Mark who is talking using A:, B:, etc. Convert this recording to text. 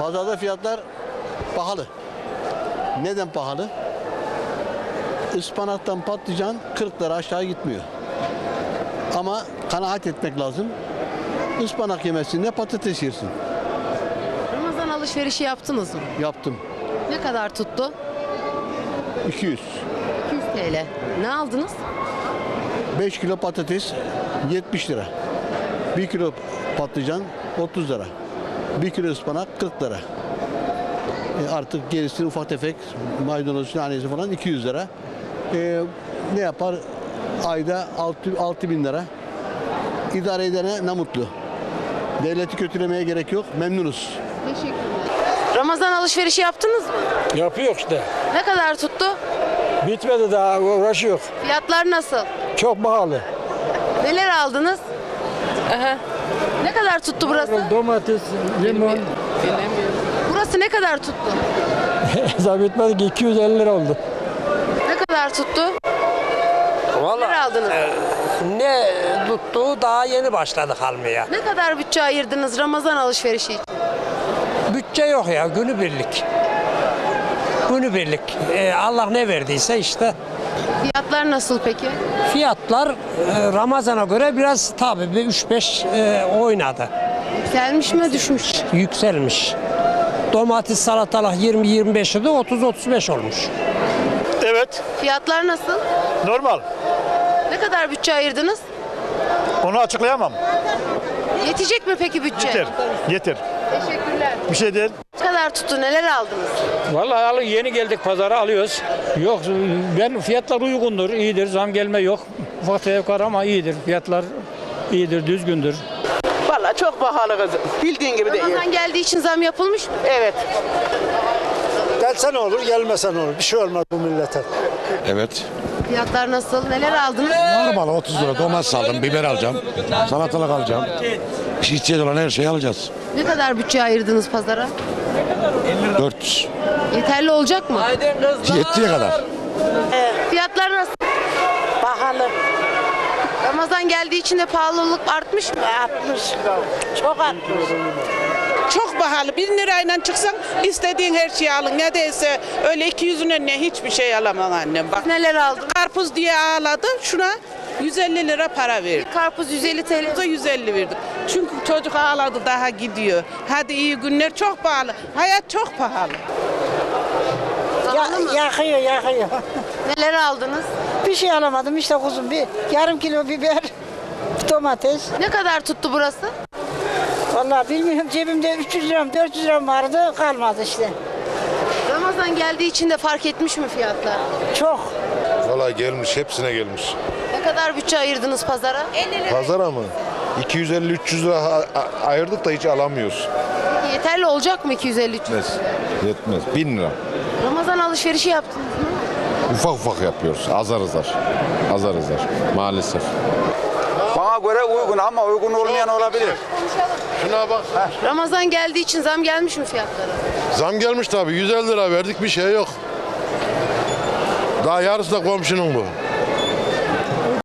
A: Pazarda fiyatlar pahalı. Neden pahalı? Ispanaktan patlıcan 40 lira aşağı gitmiyor. Ama kanaat etmek lazım. Ispanak yemesinde patates yersin.
B: Ramazan alışverişi yaptınız mı?
A: Yaptım.
B: Ne kadar tuttu?
A: 200.
B: 200 TL. Ne aldınız?
A: 5 kilo patates 70 lira. 1 kilo patlıcan 30 lira. 1 kilo ıspanak 40 lira. Artık gerisi ufak tefek maydanoz, nanesi falan 200 lira. Ne yapar? Ayda 6 bin lira. İdare edene ne mutlu. Devleti kötülemeye gerek yok. Memnunuz.
B: Teşekkürler. Ramazan alışverişi yaptınız mı?
C: Yapıyor işte.
B: Ne kadar tuttu?
C: Bitmedi daha uğraşıyor.
B: Fiyatlar nasıl?
C: Çok pahalı.
B: Neler aldınız? Ne kadar tuttu burası?
C: Domates, limon.
B: Burası ne kadar tuttu?
C: Hesap bitmedi ki 250 lira oldu.
B: Ne kadar tuttu? Neler
D: Vallahi
B: aldınız?
D: ne tuttuğu daha yeni başladık almaya.
B: Ne kadar bütçe ayırdınız Ramazan alışverişi için?
D: Bütçe yok ya, günübirlik. Günübirlik. Allah ne verdiyse işte.
B: Fiyatlar nasıl peki?
D: Fiyatlar Ramazan'a göre biraz tabii bir 3-5 oynadı.
B: Yükselmiş mi düşmüş?
D: Yükselmiş. Domates, salatalık 20-25 idi, 30-35 olmuş.
E: Evet,
B: Fiyatlar nasıl?
E: normal.
B: Ne kadar bütçe ayırdınız?
E: Onu açıklayamam.
B: Yetecek mi peki bütçe?
E: Yeter, yeter.
B: Teşekkürler.
E: Bir şey değil.
B: Ne kadar tuttu? Neler aldınız?
C: Vallahi yeni geldik pazara alıyoruz. Yok ben fiyatlar uygundur, iyidir. Zam gelme yok. Ufak tefek var ama iyidir. Fiyatlar iyidir, düzgündür.
F: Vallahi çok pahalı kızım. Bildiğin gibi değil.
B: Ramazan geldiği için zam yapılmış mı?
F: Evet.
G: Gelse ne olur, gelmese ne olur? Bir şey olmaz bu millete.
H: Evet.
B: Fiyatlar nasıl? Neler aldınız?
H: Normal 30 lira domates aldım, biber alacağım, salatalık alacağım. İhtiyaç olan her şeyi alacağız.
B: Ne kadar bütçe ayırdınız pazara?
H: 400.
B: Yeterli olacak mı?
H: Yettiği kadar.
B: Fiyatlar nasıl?
F: Pahalı.
B: Ramazan geldiği için de pahalılık artmış mı?
F: Artmış. Çok artmış. Çok pahalı. 1000 lirayla çıksan istediğin her şeyi alın. Ne değilse öyle 200'üne ne hiçbir şey alamam annem. Bak
B: Neler aldın?
F: karpuz diye ağladı. Şuna 150 lira para verdi.
B: Karpuz 150 TL.
F: Karpuza 150 verdik. Çünkü çocuk ağladı daha gidiyor. Hadi iyi günler, çok pahalı. Hayat çok pahalı.
B: Pahalı mı?
G: Yakıyor.
B: Neler aldınız?
G: Bir şey alamadım işte kuzum. Bir yarım kilo biber, domates.
B: Ne kadar tuttu burası?
G: Vallahi bilmiyorum, cebimde 300 liram, 400 liram vardı, kalmadı işte.
B: Ramazan geldiği için de fark etmiş mi fiyatlar?
G: Çok.
I: Valla gelmiş, hepsine gelmiş.
B: Ne kadar bütçe ayırdınız pazara?
I: Pazara mı? 250-300 lira ayırdık da hiç alamıyoruz.
B: Peki yeterli olacak mı 250-300?
I: Yetmez. 1000 lira.
B: Ramazan alışverişi yaptınız mı?
I: Ufak ufak yapıyoruz. Azar azar. Azar azar. Maalesef.
J: Bana göre uygun ama uygun olmayan olabilir.
I: Şuna bak.
B: Ramazan geldiği için zam gelmiş mi fiyatlara?
I: Zam gelmiş tabii. 150 lira verdik, bir şey yok. Daha yarısı da komşunun bu.